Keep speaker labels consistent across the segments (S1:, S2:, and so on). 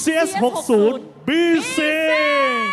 S1: CS60 B-Sing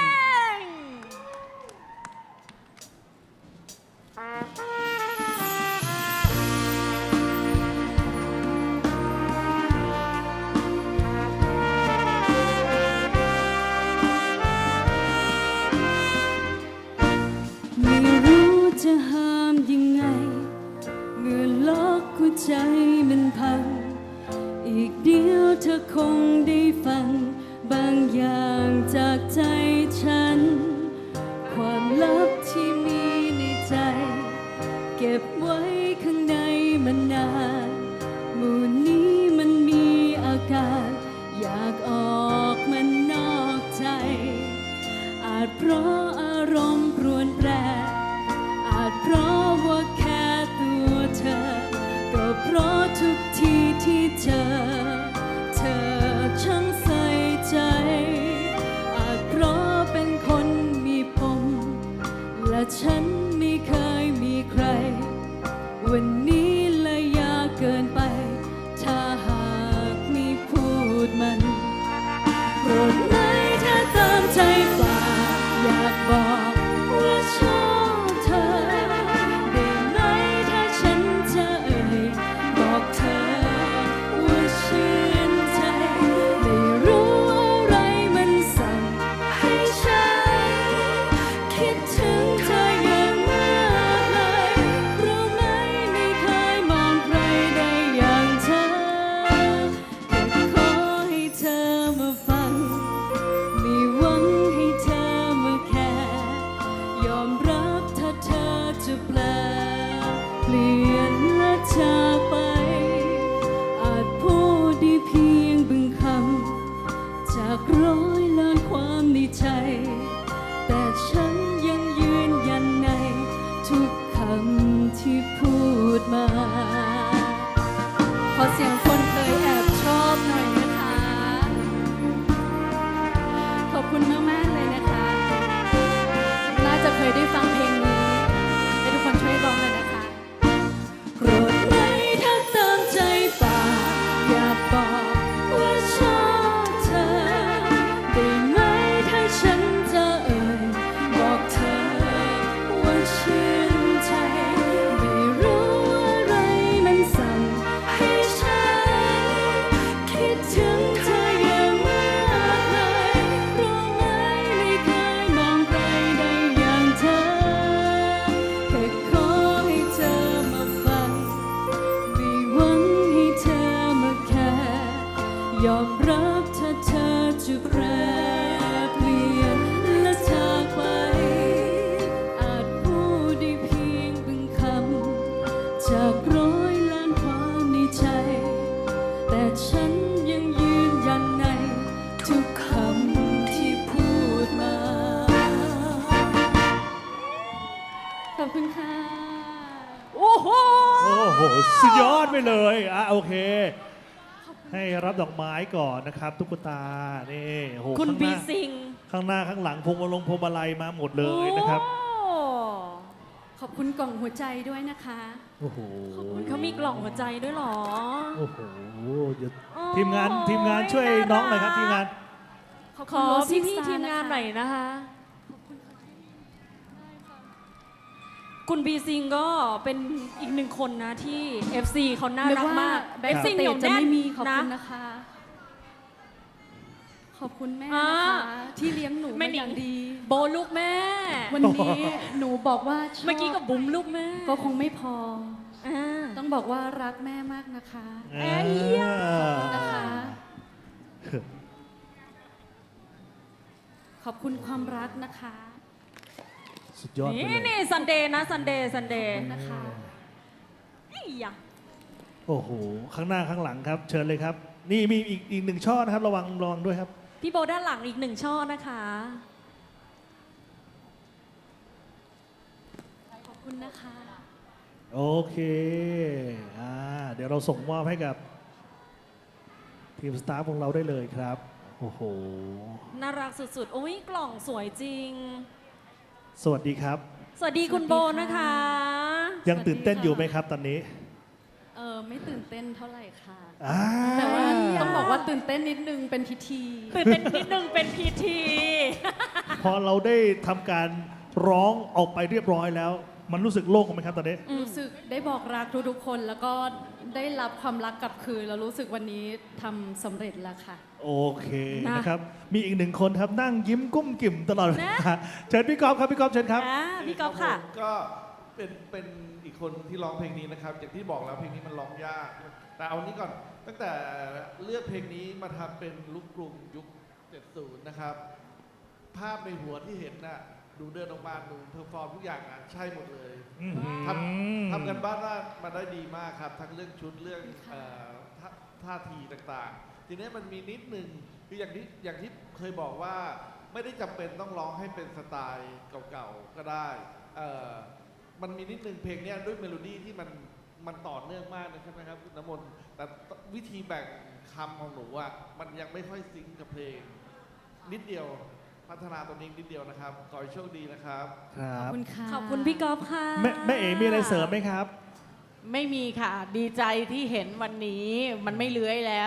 S2: ไม่รู้จะห้ามยังไงเมื่อล็อกหัวใจมันพังอีกเดียวเธอคงได้ฟังบางอย่างจากใจฉันความลับที่มีในใจเก็บไว้ข้างในมานานหมู่นี้มันมีอาการอยากออกมันนอกใจอาจเพราะอารมณ์รวนแปรอาจเพราะว่าแค่ตัวเธอก็เพราะทุกทีที่เธอช่างใส่ใจอาจเพราะเป็นคนมีปมและฉันไม่เคยมีใครวันนี้เลยยากเกินไปถ้าหากไม่พูดมันโปรดไหมถ้าตามใจปากอยากบอกว่าชอบเธอได้ไหมถ้าฉันจะเอ่ยบอกเธอว่าชื่นใจไม่รู้อะไรมันสั่งให้ฉันคิดถึงเธออย่างมากเลยรู้ไหมไม่เคยมองใครได้อย่างเธอแต่ขอให้เธอมาฟังไม่หวังให้เธอมาแค่ยอมรับถ้าเธอจะแปลเปลี่ยนและจากไปอาจพูดได้เพียงบึงคำจากร้อยล้านความในใจแต่ฉันยังยืนยันในทุกคำที่พูดมาขอเสียงคนเคยแอบชอบหน่อยนะคะขอบคุณมากๆเลยนะคะน่าจะเคยได้ฟังเพลงนี้ให้ทุกคนช่วยร้องเลยนะคะโกรธไหมถ้าตามใจปากอยากบอกว่าชอบเธอได้ไหมถ้าฉันจะเอ่ยบอกเธอว่าชื่นใจไม่รู้อะไรมันสั่งให้ฉันคิดถึงเธออย่างมากเลยรู้ไหมไม่เคยมองใครได้อย่างเธอแค่ขอให้เธอมาฟังไม่หวังให้เธอมาแค่ยอมรับถ้าเธอจะแปรเปลี่ยนและจากไปอาจพูดได้เพียงบางคำจากร้อยล้านความในใจแต่ฉันยังยืนยันในทุกคำที่พูดมาขอบคุณค่ะ
S1: โอ้โหสุดยอดไปเลยโอเค ให้รับดอกไม้ก่อนนะครับตุ๊กตานี่โอ้โห
S3: คุณ
S1: ข้างห
S3: บี
S1: น้า
S3: ซิง
S1: ข้างหน้าข้างหลังพวงมาลัยมาหมดเลยนะครับ
S3: โอ้
S2: ขอบคุณกล่องหัวใจด้วยนะคะ
S1: โอ้โห
S3: เขามีกล่องหัวใจด้วยเหรอ
S1: โอ้โหเดี๋ยว
S3: โอ้
S1: ทีมงานช่วยน้องหน่อยครับทีมงาน
S3: ขอพี่ทีมงานหน่อยนะคะ คุณบีซิงก็เป็นอีกหนึ่งคนนะที่ FC เขาน่ารักมาก
S2: แบ็ค
S3: FC
S2: สเต
S3: เหนีย
S2: จ
S3: ว
S2: จะ
S3: แน่น
S2: ไม่มีขอบ
S3: นะ
S2: คุณนะคะ ขอบคุณแม่นะคะที่เลี้ยงหนู
S3: แม่
S2: มา
S3: หนิ
S2: อง ย่างดี
S3: โบลูกแม่
S2: วันนี้หนูบอกว่าชอบ
S3: เมื่อกี้กับบุ๋มลูกแม่
S2: ก็คงไม่พอ
S3: อ่า
S2: ต้องบอกว่ารักแม่มากนะคะ นะคะ ขอบคุณความรักนะคะ
S1: สุดยอดไป
S3: นี่
S1: เลย
S3: นี่ซันเดย์นะซันเดย์
S2: นะคะ
S3: นี่อ่ะ
S1: โอ้โหข้างหน้าข้างหลังครับ เชิญเลยครับ นี่มีอีกหนึ่งช่อนะครับระวังด้วยครับ
S3: พี่โบด้านหลังอีกหนึ่งช่อนะคะ
S2: ขอบคุณนะคะ
S1: โอเคเดี๋ยวเราส่งมอบให้กับทีมสตาฟของเราได้เลยครับโอ้โห
S3: น่ารักสุดๆ โอ้ยกล่องสวยจริง
S1: สวัสดีครับ
S3: สวัสดีคุณโบนะคะ
S1: ยังตื่นเต้นอยู่ไหมครับตอนนี้
S2: ไไม่ตื่นเต้นเท่าไหร่ค่ะ
S1: อ่า
S2: แต่ว่าต้องบอกว่าตื่นเต้นนิดนึงเป็นพิธี
S3: ตื่นเต้นนิดนึงเป็นพิธี
S1: พอเราได้ทำการร้องออกไปเรียบร้อยแล้ว มันรู้สึกโล่งไหมครับตอนนี้
S2: รู้สึกได้บอกรักทุกๆคน แล้วก็ได้รับความรักกลับคืนแล้วรู้สึกวันนี้ทำสำเร็จแล้วค่ะ
S1: โอเค
S3: นะ
S1: นะครับ มีอีกหนึ่งคนครับนั่งยิ้มกุ้มกิ่มตลอดเวลาเชิญพี่ก๊อฟครับพี่ก๊อฟเชิญครับ
S3: พี่ก๊อฟค่ะ
S4: ผมก็เป็นอีกคนที่ร้องเพลงนี้นะครับ อย่างที่บอกแล้วเพลงนี้มันร้องยาก แต่เอานี้ก่อนตั้งแต่เลือกเพลงนี้มาทำเป็นลูกกรุงยุค 70 นะครับ ภาพในหัวที่เห็นน่ะดูเดินออกมาดูเพอร์ฟอร์มทุกอย่างอ่ะใช่หมดเลย ทำกันบ้านมาได้ดีมากครับ ทั้งเรื่องชุดเรื่องท่าทีต่างๆ ทีนี้มันมีนิดนึงคืออย่างที่เคยบอกว่าไม่ได้จำเป็นต้องร้องให้เป็นสไตล์เก่าๆก็ได้มันมีนิดนึงเพลงเนี้ยด้วยเมโลดี้ที่มันต่อเนื่องมากนะใช่ไหมครับคุณน้ำมนต์แต่วิธีแบ่งคำของหนูอ่ะมันยังไม่ค่อยซิงค์กับเพลง นิดเดียวพัฒนาตัวนี้นิดเดียวนะครับขอให้โชคดีนะครับ
S1: ครั
S2: ขอบบ คุณค่ะ
S3: ขอบคุณพี่ก๊อฟค่ะ
S1: แม่เอ๋มีอะไรเสริมไหมครับ
S5: ไม่มีค่ะ ดีใจที่เห็นวันนี้มันไม่เลื้อยแล้ว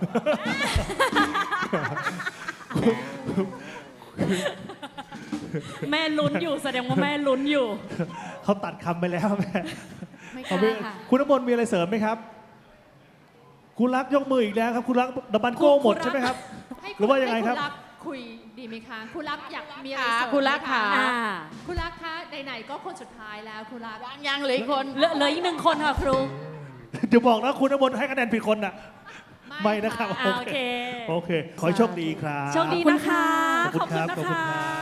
S3: แม่ลุ้นอยู่แสดงว่าแม่ลุ้นอยู่
S1: เขาตัดคำไปแล้วแม่
S2: ไม่ก
S1: เอา
S2: ล้า
S1: ไป
S2: ค่ะ
S1: คุณน้ำมนต์มีอะไรเสริมไหมครับ คุณรักยกมืออีกแล้วครับ คุณรักดับบันโก้หมดใช่ไหมครับ หรือว่ายังไงครับ
S6: ให้ณรักคุยดีไหมคะคุณรักอยากมีอะไร
S5: ค่ะ
S6: เสริม
S5: คุณรัก
S6: ไหม
S5: ค่ะ
S6: คุณรักคะไหนๆก็คนสุดท้ายแล้วคุณรัก
S5: ยังเหลืออีกคน
S3: เหลืออีกหนึ่งคนค่ะครู
S1: เดี๋ยวบอกนะคุณน้ำมนต์ให้คะแนนผิดคนน่ะ ไม่นะครับ
S3: โอเค
S1: โอเค ขอให้โชคดีครับ
S3: โชคดีนะคะ
S1: ขอบคุณครับ
S3: ขอบคุณนะคะ